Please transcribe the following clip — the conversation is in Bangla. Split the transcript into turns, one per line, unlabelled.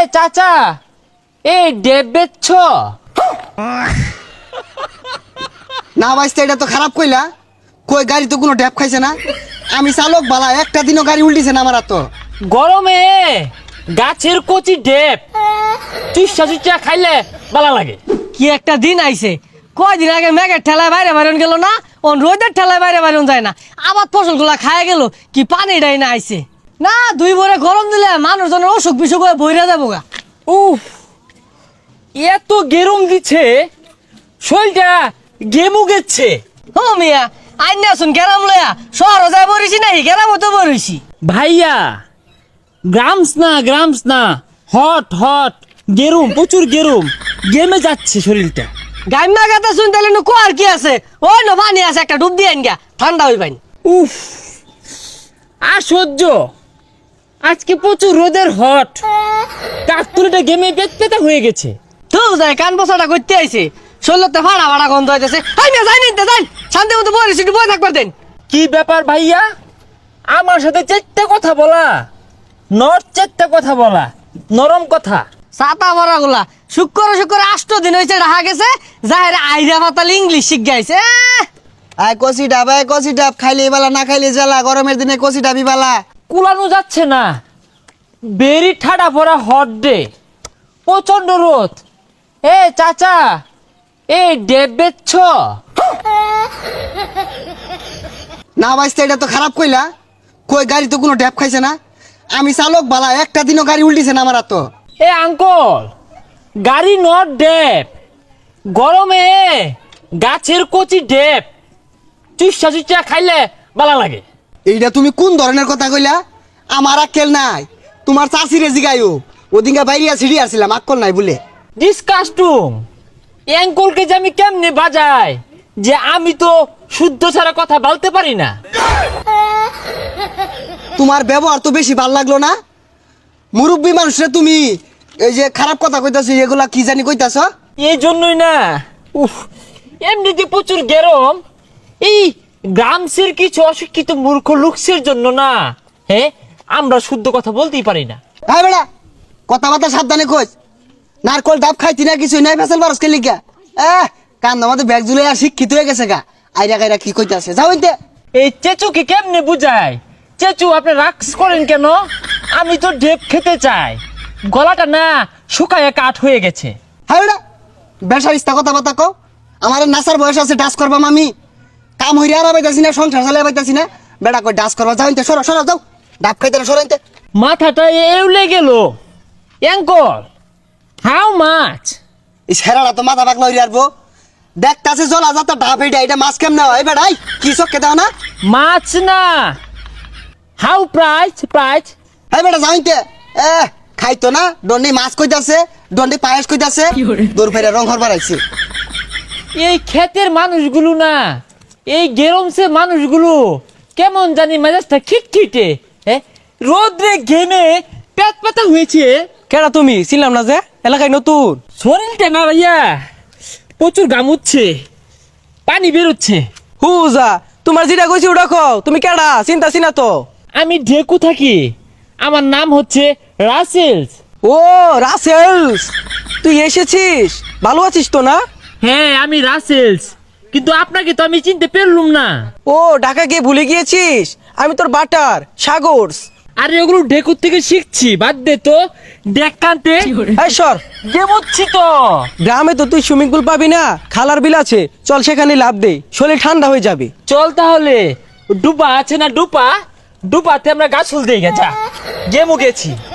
চাচা এই ডেব বেচছ?
না ভাইস্তা, এটা তো খারাপ কইলা। কই গাড়ি তো কোনো ড্যাপ খাইছে না। আমি চালক বালা, একটা দিনও গাড়ি উল্টিছে না আমার। তো
গরমে গাছের কচি ডেব চুষা চুষা খাইলে ভালো লাগে।
কি একটা দিন আইছে, কয়দিন আগে মেঘের ঠেলায় বাইরে বাইরন গেল না, ও রোদের ঠেলায় বাইরে বাইরন যায় না, আবার ফসলগুলা খায় গেল, কি পানিটাই না আইছে না। দুই ভরে গরম দিলে মানুষজনের অসুখ বিসুখ হয়ে বইরা যাবো গা।
উফ, এত গেরম দিচ্ছে, শরীরটা গেমু গেছে।
ও মিয়া, আইন আসুন গেরাম লয়া শহর যায় বরিছি নাই, গেরাম তো বরিছি।
ভাইয়া গ্রামস না, হট হট গেরুম, প্রচুর গেরুম, গেমে যাচ্ছে শরীরটা।
গাইমা গাতা শুন তাহলে নু কোয়ার কি আছে, ওই নো পানি আছে, একটা ডুব দিয়ে আইন গা, ঠান্ডা হই পাইন।
উফ, আর সহ্য, আজকে প্রচুর রোদের হট, কাকতুলিটা গেমে পেতা হয়ে গেছে।
তো যায় কান বসাটা করতে আইছে, শরীরতে ফাড়া ফাড়া গন্ধ হইতেছে। আই না যাই নিতে যাই, শান্তি মতো বরিছি, একটু বই থাকবার দেন।
কি ব্যাপার ভাইয়া, আমার সাথে চারটা কথা বলা, চারটা কথা বলা, নরম কথা।
ছাতা ভরা গুলা শুক্র 8 দিন হয়েছে রাখা গেছে, যাহের আইরা পাতাল ইংলিশ শিখ গাইছে।
আয় কষি ডাব খাইলে বালা, না খাইলে জ্বালা। গরমের দিনে কষি ডাবি বালা।
কুলানো যাচ্ছে না, বেরি ঠাডা পড়া হট ডে, প্রচন্ড রোদ। এ চাচা এই ডেব বেচছ?
না ভাইস্তা, এটা তো খারাপ কইলা। কই গাড়ি তো কোনো ড্যাপ খাইছে না। আমি চালক বালা, একটা দিনও গাড়ি উল্টিছে না আমার। তো
এ আঙ্কল, গাড়ি নট ডেব, গরমে গাছের কচি ডেব চুষা চুষা খাইলে ভালো লাগে।
এইটা তুমি কোন ধরনের কথা কইলা? আমার আক্কেল নাই। তোমার চাষিরে জিগাইও, ওদিনকে বাইরিয়া ছিড়ি আসছিলাম, আক্কল নাই বলে।
ডিসকাস্টুম, অ্যাঙ্কলকে যে আমি কেমনে বাজাই, যে আমি তো শুদ্ধ ছাড়া কথা বলতে পারি না।
তোমার ব্যবহার তো বেশি ভাল লাগলো না। মুরব্বী মানুষরা তুমি এই যে খারাপ কথা কইতাছো, এগুলা কি জানি কইতাছ?
এই জন্যই না, উফ, এমনিতে প্রচুর গরম, এই গ্রামসের কিছু অশিক্ষিত মূর্খ লোকসের জন্য না, হ্যাঁ, আমরা শুদ্ধ কথা বলতেই পারি না।
হ্যাঁ বেড়া, কথাবার্তা সাবধানে কইস। নারকল ডাব খাইতি না, কিছু নাই, ফেসাল বারস কে লিখা। কান আমাদের ব্যাগ জুলে আর শিক্ষিত হয়ে গেছে গা। আইরা গাইরা কি কইতাছে, যাও ইনতে।
এই চেচুকে কেমনে বুঝায়? চেচু, আপনি রাক্স করেন কেন? আমি তো ডেপ খেতে চাই, গলাটা না শুকায় কাঠ হয়ে গেছে।
হ্যাঁ বেড়া, বেসার ইস্তা কথাবার্তা কও। আমার নাসার বয়স আছে, ডাস করবাম আমি। কাম হইরে আর পাইতাছি না, সংসার চালাই পাইতাছি না, বেড়া কই ডাস করবা। যাও ইনতে, সরো সরো, যাও। ডাব খাইতে না, সরো ইনতে।
মাথাটা এউলে গেল। Uncle, how much?
এই ছেড়াটা তো মাথা পাকলা হইরে আসবো। দেখতাছে জলা যাতা ডাব, এটা মাছ কেমনে হয় বেড়াই? কি চক্কে দাও না?
মাছ না, হাউ প্রাইস?
হ্যাঁ বেটা, যাও ইনতে। খাইতো না, দন্ডি মাছ কইতাছে, দন্ডি পায়েস কইতাছে, দূর ফেরে রং হরবার আইছে।
এই ক্ষেতের মানুষগুলো না, এই গেরমসে মানুষগুলো কেমন জানি মেজাজটা খিটখিটে, হ্যাঁ, রোদ্রে ঘেমে পেট পাতা হয়েছে।
কেডা তুমি? ছিলাম না যে, এলাকায় নতুন।
শরীরটা না ভাইয়া প্রচুর গামুচ্ছে, পানি বেরোচ্ছে।
হুজা, তোমার যেটা কইছি ওটা কও। তুমি কেডা? চিন্তা চিনা তো।
আমি ঢেকু থাকি, আমার নাম হচ্ছে রাসেলস।
ও রাসেলস, তুই এসেছিস? ভালো আছিস তো না?
হ্যাঁ, আমি রাসেলস, কিন্তু আপনাকে তো আমি চিনতে পারলুম না।
ও ঢাকা গিয়ে ভুলে গিয়েছিস? আমি তোর বাটার সাগরস।
আরে ওগুলো ঢেকুর থেকে শিখছি, বাদ দে তো। দেখ কানতে
এই সর,
গেমুচ্ছি তো।
গ্রামে তো তুই সুইমিং পুল পাবি না, খালার বিল আছে, চল সেখানে লাভ দে, শরীর ঠান্ডা হয়ে যাবে।
চল তাহলে, ডুবা আছে না, ডুপাতে আমরা গাছ ফুল দিয়ে গেছা, গেমু গেছি।